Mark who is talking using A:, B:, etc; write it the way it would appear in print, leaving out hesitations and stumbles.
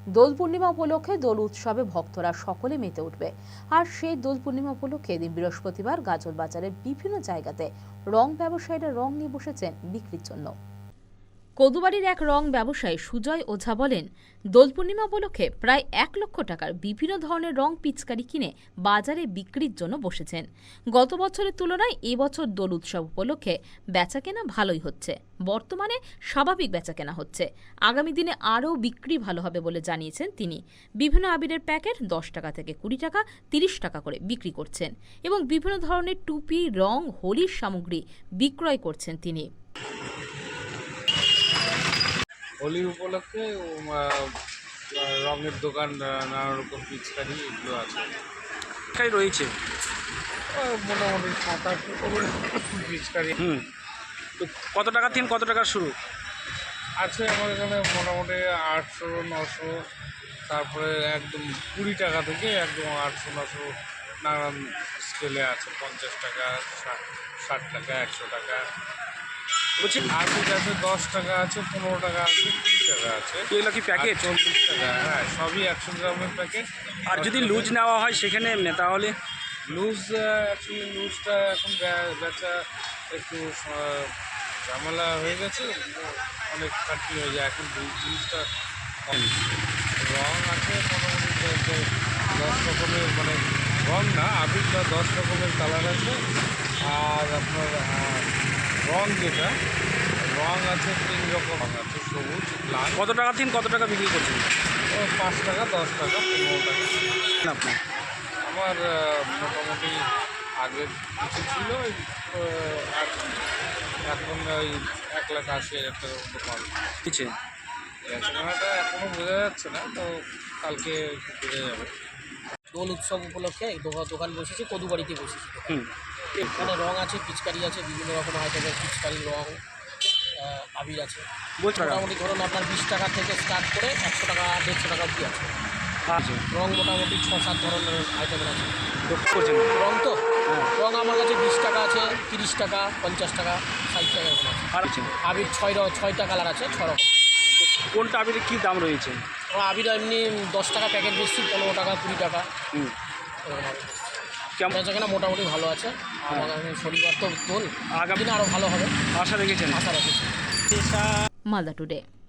A: দোল পূর্ণিমা উপলক্ষে দোল উৎসবে ভক্তরা সকলে মেতে উঠবে। আর সেই দোল পূর্ণিমা উপলক্ষে দিন বৃহস্পতিবার গাজল বাজারের বিভিন্ন জায়গাতে রং ব্যবসায়ীরা রং নিয়ে বসেছেন বিক্রির জন্য। কদুবাড়ির এক রং ব্যবসায়ী সুজয় ওঝা বলেন, দোল পূর্ণিমা উপলক্ষে প্রায় 1 লক্ষ টাকার বিভিন্ন ধরনের রং পিচকারি কিনে বাজারে বিক্রির জন্য বসেছেন। গত বছরের তুলনায় এবছর দোল উৎসব উপলক্ষে বেচাকেনা ভালোই হচ্ছে। বর্তমানে স্বাভাবিক বেচাকেনা হচ্ছে। আগামী দিনে আরও বিক্রি ভালো হবে বলে জানিয়েছেন তিনি। বিভিন্ন আবিরের প্যাকেট 10 টাকা থেকে 20 টাকা, 30 টাকা করে বিক্রি করছেন এবং বিভিন্ন ধরনের টুপি, রং, হোলির সামগ্রী বিক্রয় করছেন তিনি।
B: হোলি উপলক্ষে রঙের দোকান, নানা রকম পিচকারি এগুলো আছে
C: রয়েছে
B: মোটামুটি 7-8 রকমের পিচকারি।
C: তো কত টাকা থেকে কত টাকা শুরু
B: আছে আমার এখানে? মোটামুটি 800-900, তারপরে একদম 20 টাকা থেকে একদম 800-900 নানান স্কেলে আছে। 50 টাকা, 60 টাকা, 100 টাকা
C: বলছি।
B: আর্থিক আছে, 10 টাকা আছে, 15 টাকা আছে, 20 টাকা আছে।
C: এগুলো কি প্যাকেট?
B: 40 টাকা। হ্যাঁ, সবই 100 গ্রামের প্যাকেট।
C: আর যদি লুজ নেওয়া হয় সেখানে তাহলে
B: লুজ, অ্যাকচুয়ালি লুজটা এখন বেচা একটু ঝামেলা হয়ে গেছে, অনেক খাটনি হয়ে যায় এখন। লুজটা রং আছে মোটামুটি 10 রকমের, মানে রং না, আবিরটা 10 রকমের কালার আছে। আর আপনার রং যেটা রং আছে 3 রকম রং আছে, সবুজ, লাল।
C: কত টাকা থেকে কত টাকা বিক্রি করছেন
B: 5 টাকা, 10 টাকা, 15 টাকা।
C: আপনি?
B: আমার মোটামুটি আগে কিছু ছিল, আর এখন ওই 1,80,000 টাকার মতো পান।
C: কিছু
B: বেচাকেনাটা এখনও বোঝা যাচ্ছে না, তো কালকে বোঝা যাবে।
D: দোল উৎসব উপলক্ষে দোকান বসেছে, কদুবাড়িতে বসেছে। এখানে রং আছে, পিচকারি আছে, বিভিন্ন রকম আইটেমের পিচকারি, রং, আবির আছে। মোটামুটি ধরুন আপনার 20 টাকা থেকে স্টার্ট করে 100 টাকা, 150 টাকা অবধি আছে। রং মোটামুটি 6-7 ধরনের আইটেমের আছে। রং তো রং আমার কাছে 20 টাকা আছে, 30 টাকা, 50 টাকা, 60 টাকা এরকম আছে।
C: আর আছে
D: আবির 6টা কালার আছে, 6 রকম।
C: কোনটা আবিরের কী দাম রয়েছে?
D: আবির এমনি 10 টাকা প্যাকেট বেশি, 15 টাকা, 20 টাকা
C: কেমন
D: বেচাকেনা মোটামুটি ভালো আছে। আমার শনিবার তো দোল, আগামী দিনে আরও ভালো হবে
C: আশা রেখেছেন?
D: আশা রাখছি।
A: মালদা টুডে।